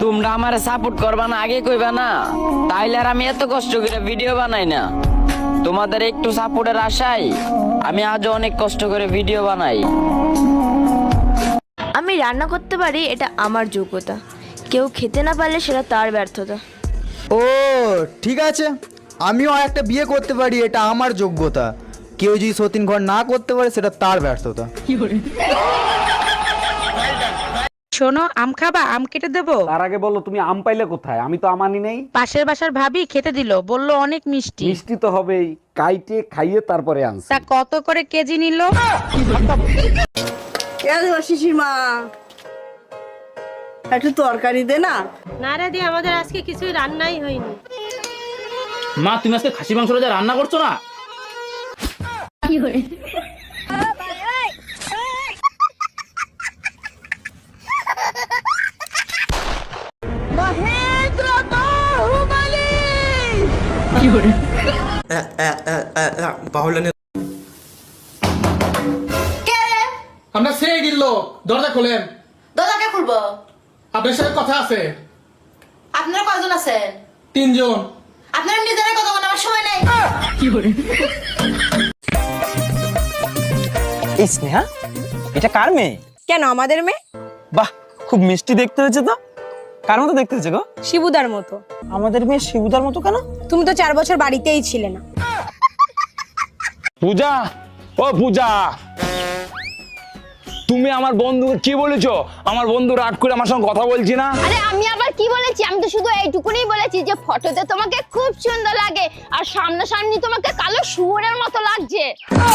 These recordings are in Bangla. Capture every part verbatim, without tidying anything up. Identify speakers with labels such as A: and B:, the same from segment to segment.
A: তোমরা আমারে সাপোর্ট করবা না আগে কইবা না, তাইলে আর আমি এত কষ্ট করে ভিডিও বানাই না। তোমাদের একটু সাপোর্টের আশায় আমি আজও অনেক কষ্ট করে ভিডিও বানাই।
B: আমি রান্না করতে পারি, এটা আমার যোগ্যতা। কেউ খেতে না পারলে সেটা তার ব্যর্থতা।
C: ও ঠিক আছে, আমিও আর একটা বিয়ে করতে পারি, এটা আমার যোগ্যতা। কেউ যদি সতীন ঘর না করতে পারে সেটা তার ব্যর্থতা।
D: শোনো, আম খাবা? আম কেটে দেবো?
E: তার আগে বলো তুমি আম পাইলে কোথায়? আমি তো আমানি নেই।
D: পাশের বাসার ভাবি খেতে দিল, বললো অনেক মিষ্টি।
E: মিষ্টি তো হবেই, কাইটে খাইয়ে তারপরে আনছি।
D: তা কত করে কেজি নিল?
F: শিশিমা একটু তরকারি দে না।
G: না রে দি, আমাদের আজকে কিছুই রান্নাই হয়নি।
H: মা তুমি আজকে খাসি মাংসটা যা রান্না করছো না,
G: কি করে?
I: আমরা সেই দিল, দরজা খোলেন।
J: দরজাকে খুলবো?
I: আপনার সাথে কথা আছে।
J: আপনারা কয়জন আছেন?
I: তিনজন।
J: আপনারা নিজেরা কথা বলার আমার সময় নাই।
K: এই স্নেহা, এটা কার মেয়ে?
F: কেন আমাদের মেয়ে?
K: বাহ, খুব মিষ্টি দেখতে হয়েছে তো। কার মতো দেখতে হয়েছে গো?
F: শিবুদার মতো।
K: আমাদের মেয়ে শিবুদার মতো কেন?
F: তুমি তো চার বছর বাড়িতেই ছিলে না।
H: পূজা, ও পূজা, তুমি আমার বন্ধুকে কি বলেছো? আমার বন্ধু রাগ করে আমার সঙ্গে কথা বলছি না।
B: আরে আমি আবার কি বলেছি? আমি তো শুধু এইটুকুনি বলেছি যে ফটোতে তোমাকে খুব সুন্দর লাগে আর সামনাসামনি তোমাকে কালো শুয়োরের মতো লাগছে।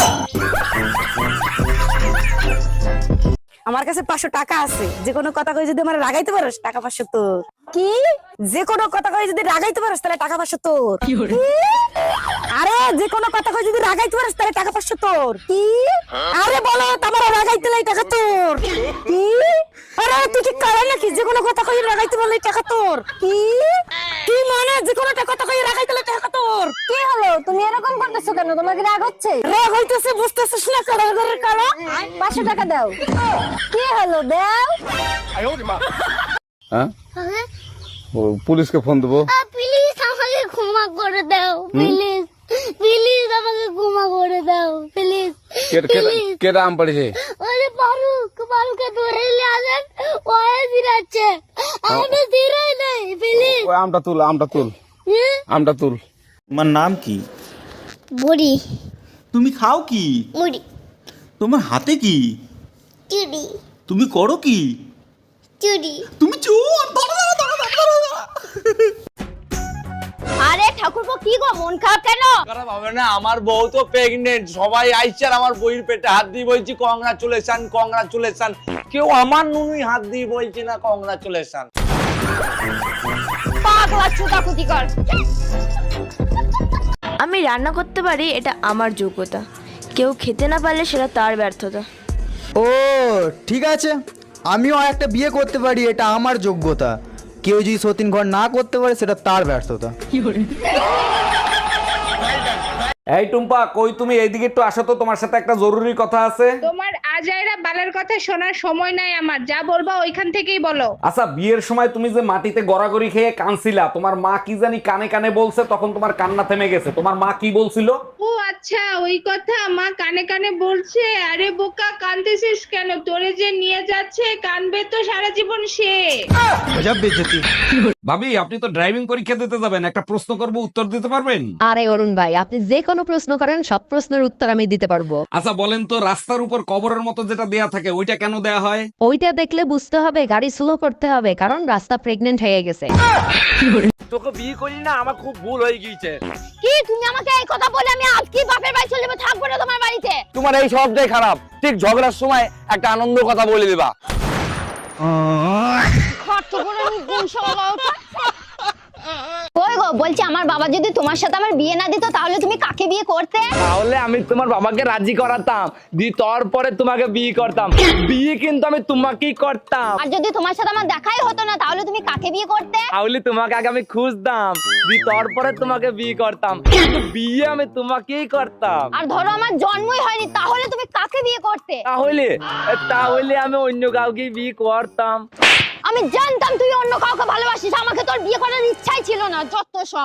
F: আমার কাছে পাঁচশো টাকা আছে, যে কোনো কথা কই যদি আমার রাগাইতে পারোস টাকা পাঁচশো তোর। কি? যে কোনো কথা কই যদি রাগাইতে পারোস তাহলে টাকা পাঁচশো তোর। আরে যে কোনো কথা কই যদি রাগাইতে পারোস তাহলে টাকা পাঁচশো তোর। কি? আরে বলো তোমার রাগাইতে লাই টাকা তোর। কি? আরে তুই কি কারে নাকি? যে কোনো কথা কই রাগাইতে পারলে টাকা তোর। কি? কি মানে যে কোনো কথা কই রাগাইতে লাই টাকা তোর?
B: কি হলো? তুমি এরকম করতেছো কেন? তোমাকে রাগ হচ্ছে?
F: রাগ হইতেছে, বুঝতেছিস না? কারো ঘরে কালো
B: পাঁচশো টাকা দাও। কি হলো? দাও।
E: হ্যাঁ, ও পুলিশকে ফোন দেবো।
B: প্লিজ আমাকে ক্ষমা করে দাও, প্লিজ প্লিজ আমাকে ক্ষমা করে দাও, প্লিজ।
E: কেটা আম পড়েছে?
B: ওরে ফারুক, ফারুককে ধরে নিয়ে আসেন, ওয়ে দিরাচ্ছে, আমি দিরাই নাই, প্লিজ।
E: ওই আমটা তুল, আমটা তুল, আমটা তুল।
K: তোমার নাম কি?
B: বুড়ি
K: তুমি খাও কি?
B: মুড়ি
K: তোমার হাতে কি?
B: চুড়ি
K: তুমি করো কি?
B: চুড়ি।
K: তুমি চোর। ধরো, ধরো, ধরো, ধরো, ধরো।
B: আরে ঠাকুরপো, কি গো মন খারাপ কেন?
H: খারাপ হবে না, আমার বউ তো প্রেগনেন্ট, সবাই আইছে আর আমার বউয়ের পেটে হাত দিয়ে বলছি কংগ্রাচুলেশন কংগ্রাচুলেশন। কেউ আমার নুনুই হাত দিয়ে বলছি না কংগ্রাচুলেশন।
B: পাগলা চুদাকুতি কর। আমি রান্না করতে পারি, এটা আমার যোগ্যতা। কেউ খেতে না পারলে সেটা তার ব্যর্থতা।
C: ও ঠিক আছে, আমিও আর একটা বিয়ে করতে পারি, এটা আমার যোগ্যতা। কেউ যদি সতীন ঘর না করতে পারে সেটা তার ব্যর্থতা।
E: এই টুম্পা, কই তুমি? এইদিকে একটু আসো তো, তোমার সাথে একটা জরুরি কথা আছে।
D: তোমার আজাইরা বালার কথা শোনার সময় নাই আমার, যা বলবা ওইখান থেকেই বলো।
E: আচ্ছা, বিয়ের সময় তুমি যে মাটিতে গড়াগড়ি খেয়ে কানছিলা, তোমার মা কি জানি কানে কানে বলছে, তখন তোমার কান্না থেমে গেছে। তোমার মা কি বলছিল?
D: ও আচ্ছা, ওই কথা মা কানে কানে বলছে। আরে বোকা, কানতেছিস কেন? তোরে যে নিয়ে যাচ্ছে, কানবে তো সারা জীবন সে।
E: ভাবি, আপনি তো ড্রাইভিং পরীক্ষা দিতে যাবেন, একটা প্রশ্ন করব, উত্তর দিতে পারবেন?
G: আরে অরুণ ভাই, আপনি যে কোনো প্রশ্ন করেন, সব প্রশ্নের উত্তর আমি দিতে পারবো।
E: আচ্ছা বলেন তো, রাস্তার উপর কবরের মতো যেটা দেয়া থাকে ওইটা কেন দেয়া হয়?
G: ওইটা দেখলে বুঝতে হবে গাড়ি স্লো করতে হবে, কারণ রাস্তা প্রেগনেন্ট হয়ে গেছে।
H: তোকে বিয়ে করি না, আমার খুব ভুল হয়ে গিয়েছে।
B: কি তুমি আমাকে এই কথা বলে আমি আজকে বাপের বাড়ি চলে যাবো, থাকবো না তোমার বাড়িতে।
H: তোমার এই সবটাই খারাপ। ঠিক ঝগড়ার সময় একটা আনন্দ কথা বলে দিবা।
B: খরচ করে আমি কোন শালা ওটা। কই গো, বলছি আমার বাবা যদি তোমার সাথে আমার বিয়ে না দিত তাহলে তুমি কাকে বিয়ে করতে?
H: তাহলে আমি তোমার বাবাকে রাজি করাতাম, দি তারপরে তোমাকে বিয়ে করতাম। বিয়ে কিন্তু আমি তোমাকেই করতাম।
B: আর যদি তোমার সাথে আমার দেখাই হতো না তাহলে তুমি কাকে বিয়ে করতে?
H: তাহলে তোমাকে আগে আমি খুঁজতাম, দি তারপরে তোমাকে বিয়ে করতাম, কিন্তু বিয়ে আমি তোমাকেই করতাম।
B: আর ধরো আমার জন্মই হয়নি, তাহলে তুমি কাকে বিয়ে করতে?
H: তাহলে তাহলে আমি অন্য কাউকে বিয়ে করতাম।
B: আমি জানতাম তুই অন্য কাউকে ভালো আমার বিয়ে করার ইচ্ছাই ছিল না, যত সব।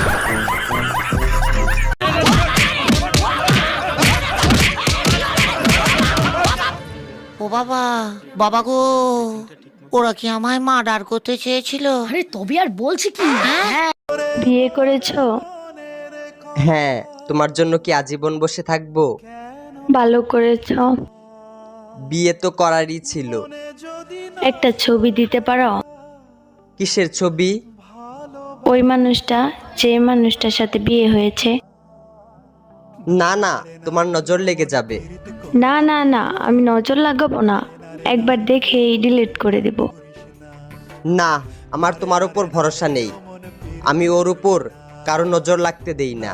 J: ও বাবা, বাবা গো, ওরা কি আমায় মার্ডার করতে চেয়েছিল?
F: আরে তবে আর বলছি কি?
B: বিয়ে করেছো?
K: হ্যাঁ, তোমার জন্য কি আজীবন বসে থাকবো?
B: ভালো করেছো।
K: বিয়ে তো করারই ছিল।
B: একটা ছবি দিতে পারো?
K: কিসের ছবি?
B: ওই মানুষটা যে মানুষটার সাথে বিয়ে হয়েছে।
K: না না, তোমার নজর লেগে যাবে।
B: না না না, আমি নজর লাগাবো না, একবার দেখেই ডিলিট করে দেব।
K: না, আমার তোমার উপর ভরসা নেই। আমি ওর উপর কারো নজর লাগতে দেই না।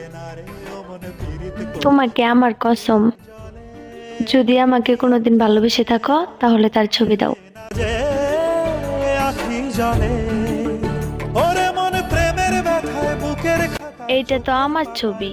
B: তোমাকে আমার কসম, যদি আমাকে কোনোদিন ভালোবেসে থাকো তাহলে তার ছবি দাও। এইটা তো আমার ছবি।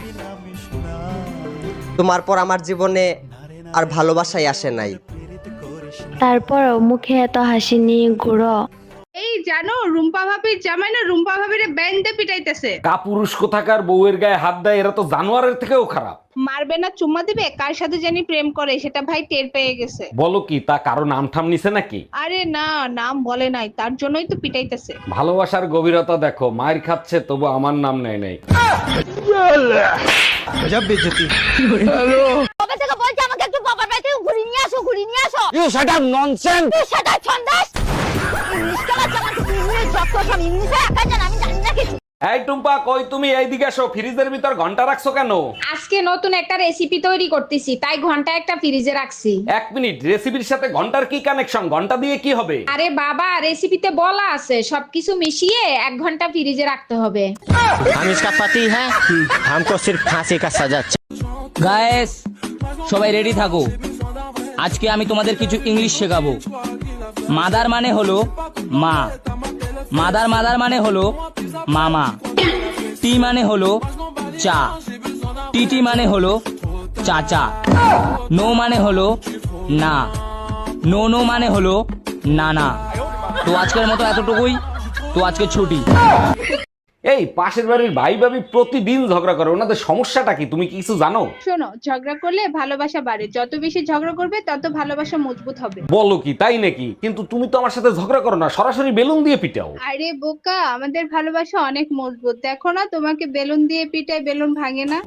K: তোমার পর আমার জীবনে আর ভালোবাসাই আসে নাই।
B: তারপরও মুখে এত হাসি নিয়ে ঘুরো।
D: এই জানো, রুম্পা ভাবির জামাই না রুম্পা ভাবিরে ব্যান্ডে পিটাইতেছে।
E: কাপুরুষ কোথাকার বউয়ের গায়ে হাত দেয়, এরা তো জানোয়ারের থেকেও খারাপ।
D: মারবে না চুম্মা দিবে, কার সাথে জানি প্রেম করে সেটা ভাই টের পেয়ে গেছে।
E: বলো কি, তা কারো নাম ঠাম নিছে নাকি?
D: আরে না, নাম বলে নাই, তার জন্যই তো পিটাইতেছে।
E: ভালোবাসার গভীরতা দেখো, মায়ের খাচ্ছে তবু আমার নাম নেয় নাই।
B: কবে থেকে বলছি আমাকে একটু বাবার বাড়ি থেকে ঘুরিয়ে নিয়ে আসো, ঘুরিয়ে নিয়ে আসো।
H: You shut up nonsense.
B: তুই সেটা ছন্দাস। ইংলিশ কেলা জামাতে ইংলিশ যত সব ইংলিশে একা জান, আমি জানি না কিছু।
E: এই টুম্পা, কই তুমি? এইদিকে আসো। ফ্রিজের ভিতর ঘন্টা রাখছো কেন?
D: আজকে নতুন একটা রেসিপি তৈরি করতেছি, তাই ঘন্টা একটা ফ্রিজে রাখছি।
E: এক মিনিট, রেসিপির সাথে ঘন্টার কি কানেকশন? ঘন্টা দিয়ে কি হবে?
D: আরে বাবা, রেসিপিতে বলা আছে সবকিছু মিশিয়ে এক ঘন্টা ফ্রিজে রাখতে হবে।
K: हम इसका पति है, हमको सिर्फ फांसी का सजा।
A: গায়েস, সবাই রেডি থাকো। আজকে আমি তোমাদের কিছু ইংলিশ শেখাবো। মাদার মানে হলো মা, মাদার মাদার মানে হলো মামা, টি মানে হলো চা, টিটি মানে হলো চাচা, নো মানে হলো না, নো নো মানে হলো নানা। তো আজকের মতো এতটুকুই, তো আজকে ছুটি।
E: এই পাশের বাড়ির ভাই ভাবি প্রতিদিন ঝগড়া করে, ওনাদের সমস্যাটা কি তুমি কি কিছু জানো?
D: শোনো, ঝগড়া করলে ভালোবাসা বাড়ে, যত বেশি ঝগড়া করবে তত ভালোবাসা মজবুত হবে।
E: বলো কি, তাই নাকি? কিন্তু তুমি তো আমার সাথে ঝগড়া করো না, সরাসরি বেলুন দিয়ে পিটাও।
D: আরে বোকা, আমাদের ভালোবাসা অনেক মজবুত, দেখো না তোমাকে বেলুন দিয়ে পিটাই, বেলুন ভাঙে না।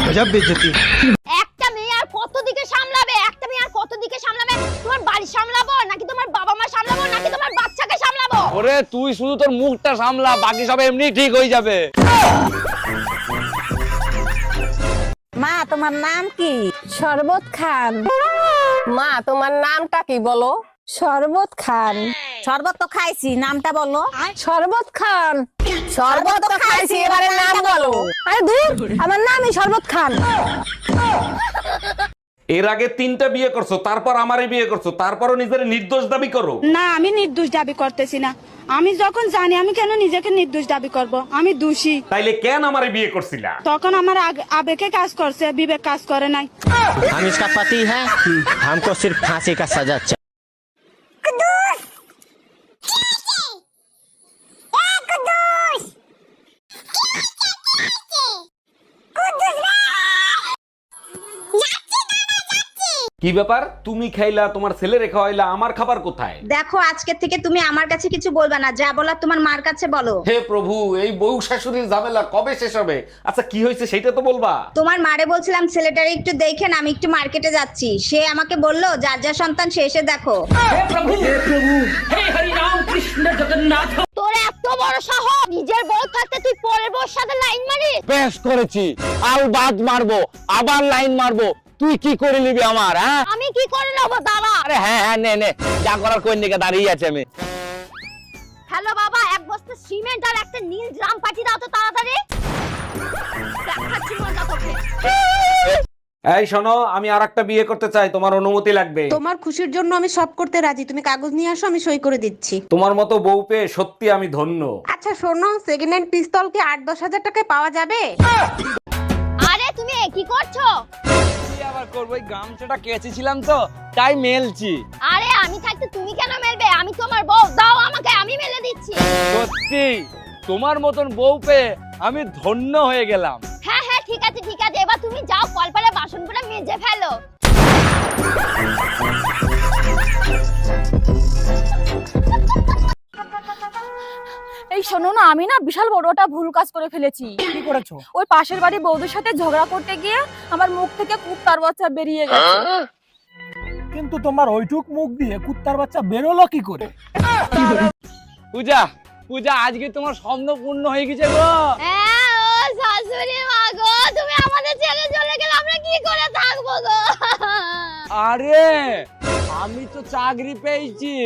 B: একটা মেয়ে আর কত দিকে সামলাবে? একটা মেয়ে আর কত দিকে সামলাবে? তোমার বাড়ি সামলাবো নাকি তোমার বাবা মা সামলাবো নাকি তোমার বাচ্চাকে সামলাবো?
H: ওরে তুই শুধু তোর মুখটা সামলা, বাকি সব এমনি ঠিক হয়ে যাবে।
F: মা, তোমার নাম কি?
B: শরবত খান।
F: মা, তোমার নামটা কি বলো?
B: শরবত খান।
F: শরবত তো খাইছি, নামটা বলো।
B: শরবত খান।
F: শরবত তো খাইছি, এবারে নাম বলো।
B: আরে দূর, আমার নামই শরবত খান।
E: এর আগে তিনটা বিয়ে করছো, তারপর আমারই বিয়ে করছো, তারপরও নিজের নির্দোষ দাবি করো।
F: না, আমি নির্দোষ দাবি করতেছি না। আমি যখন জানি, আমি কেন নিজেকে নির্দোষ দাবি করব? আমি দোষী।
E: তাইলে কেন আমারে বিয়ে করছিলা?
F: তখন আমার আগ- আবেগে কাজ করছে, বিবেক কাজ করে নাই।
K: हम इसका पति है, हमको सिर्फ फांसी का सजा।
E: কি ব্যাপার? তুমি খাইলা, তোমার ছেলে রেখা হইলা, আমার খাবার কোথায়?
J: দেখো, আজকে থেকে তুমি আমার কাছে কিছু বলবা না, যা বলার তোমার মার কাছে বলো।
E: হে প্রভু, এই বউ শাশুড়ির ঝামেলা কবে শেষ হবে? আচ্ছা কি হয়েছে সেটা তো বলবা।
J: তোমার মারে বলছিলাম ছেলেটারে একটু দেখেন, আমি একটু মার্কেটে যাচ্ছি। সে আমাকে বললো যার যা সন্তান সে এসে দেখো।
B: তোর এত বড় সাহস, নিজের বউ থাকতে তুই পরের বউর সাথে লাইন মারিস?
H: বেশ করেছি, আর বাদ মারবো, আবার লাইন মারবো। তুই কি করে নিবি আমার? হ্যাঁ,
B: আমি কি করে নেবো? দাঁড়া।
H: আরে হ্যাঁ হ্যাঁ, নে নে, যা করার কোন দিকে দাঁড়িয়ে আছে আমি।
B: হ্যালো বাবা, এক বস্তা সিমেন্ট আর একটা নীল ড্রাম পাঠিয়ে দাও তো তাড়াতাড়ি। দেখাচ্ছি মজা তোকে।
E: এই শোনো, আমি আরেকটা বিয়ে করতে চাই, তোমার অনুমতি লাগবে।
F: তোমার খুশির জন্য আমি সব করতে রাজি, তুমি কাগজ নিয়ে আসো, আমি সই করে দিচ্ছি।
E: তোমার মতো বউ পেয়ে সত্যি আমি ধন্য।
F: আচ্ছা শোনো, সেকেন্ড হ্যান্ড পিস্তল কি আট দশ হাজার টাকায় পাওয়া যাবে?
B: আরে তুমি এ কি করছো?
H: কি আবার করবো, ওই গামছাটা কেচেছিলাম তো তাই মেলছি।
B: আরে আমি থাকতে তুমি কেন মেলবে? আমি তোমার বউ, দাও আমাকে, আমি মেলে দিচ্ছি।
H: সত্যি সত্যি তোমার মতন বউ পেয়ে আমি ধন্য হয়ে গেলাম।
B: হ্যাঁ হ্যাঁ ঠিক আছে ঠিক আছে, এবার তুমি যাও কলপারে বাসনগুলো মেজে ফেলো।
F: এই শোনো না, আমি না বিশাল বড় একটা ভুল কাজ করে ফেলেছি।
I: কি করেছো?
F: ওই পাশের বাড়ি বৌদির সাথে ঝগড়া করতে গিয়ে আমার মুখ থেকে কুত্তার বাচ্চা বেরিয়ে গেছে।
I: কিন্তু তোমার ওইটুক মুখ দিয়ে কুত্তার বাচ্চা বেরোলো কি করে?
H: পূজা পূজা আজকে তোমার স্বপ্ন পূর্ণ হয়ে গেছে গো।
B: হ্যাঁ ও শাশুড়ি মা গো, তুমি আমাদের ছেড়ে চলে গেলে আমরা কি করে থাকবো গো?
H: আরে আমি তো চাকরি পেয়েছি।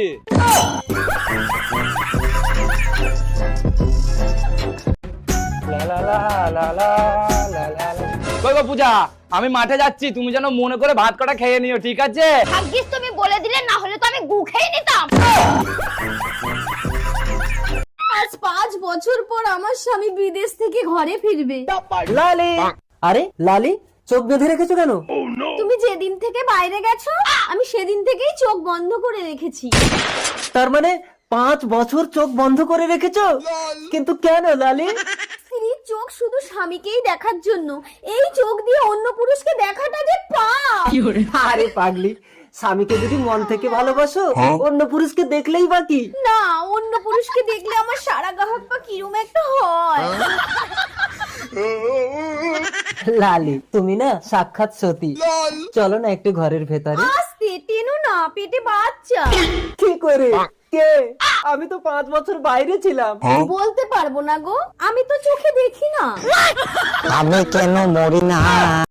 H: কই গো পূজা, আমি মাঠে যাচ্ছি, তুমি যেন মনে করে ভাত কটা খেয়ে নিও, ঠিক আছে?
B: ভাগ্যিস তুমি বলে দিলে, না হলে তো আমি গু খেয়ে নিতাম।
F: আজ পাঁচ বছর পর আমার স্বামী বিদেশ থেকে ঘরে ফিরবে।
K: লালি, আরে লালি চোখ বেঁধে রেখেছো কেন?
F: তুমি যেদিন থেকে বাইরে গেছো আমি সেদিন থেকেই চোখ বন্ধ করে রেখেছি।
K: তার মানে পাঁচ বছর চোখ বন্ধ করে রেখেছো? কিন্তু কেন লালি?
F: স্ত্রীর চোখ শুধু স্বামীকেই দেখার জন্য, এই চোখ দিয়ে অন্য পুরুষকে দেখাটা যে পাপ।
K: আরে পাগলি, স্বামীকে যদি মন থেকে ভালোবাসো অন্য পুরুষকে দেখলেই বাকি।
F: না, অন্য পুরুষকে দেখলে আমার সারা গাহক পা কিরম একটা হয়।
K: লালি তুমি না সাক্ষাৎ সতী, চলো না একটু ঘরের ভেতরে।
F: আস্তে টেনো না, পেটে বাচ্চা।
K: কি করে? কে? আমি তো পাঁচ বছর বাইরে ছিলাম।
F: বলতে পারবো না গো, আমি তো চোখে দেখি না।
K: আমি কেন মরি না?